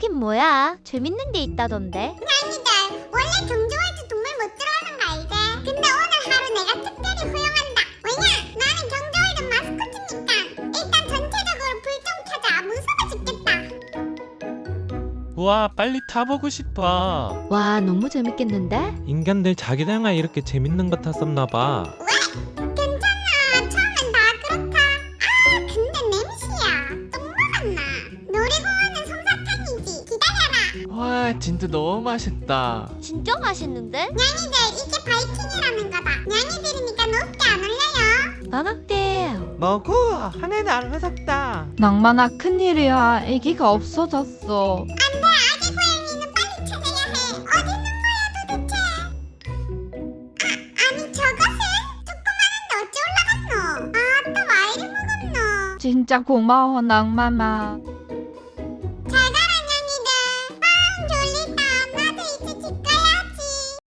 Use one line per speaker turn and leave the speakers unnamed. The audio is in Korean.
거긴 뭐야? 재밌는 데 있다던데?
냥이들 원래 경주월드 동물 못 들어오는 거 알지? 근데 오늘 하루 내가 특별히 허용한다. 왜냐? 나는 경주월드 마스코트니까. 일단 전체적으로 불 좀 켜자. 무서워 죽겠다.
우와, 빨리 타보고 싶어.
와, 너무 재밌겠는데?
인간들 자기랑아 이렇게 재밌는 거 탔었나봐.
괜찮아. 처음엔 다 그렇다. 아 근데 냄새야. 똥 먹었나? 놀이공원은 솜사탕이지. 기다려라.
와, 진짜 너무 맛있다.
진짜 맛있는데?
냥이들 이게 바이킹이라는 거다. 냥이들이니까 높게 안 올려요.
방학 때
뭐고? 하늘은 안 무섭다.
낭만아, 큰일이야. 애기가 없어졌어.
안돼. 아기 고양이는 빨리 찾아야 해. 어디 있는 거야 도대체? 아니 저것은? 조그마한데 어찌 올라갔노? 아 또 와이를 먹었노?
진짜 고마워, 낭만아.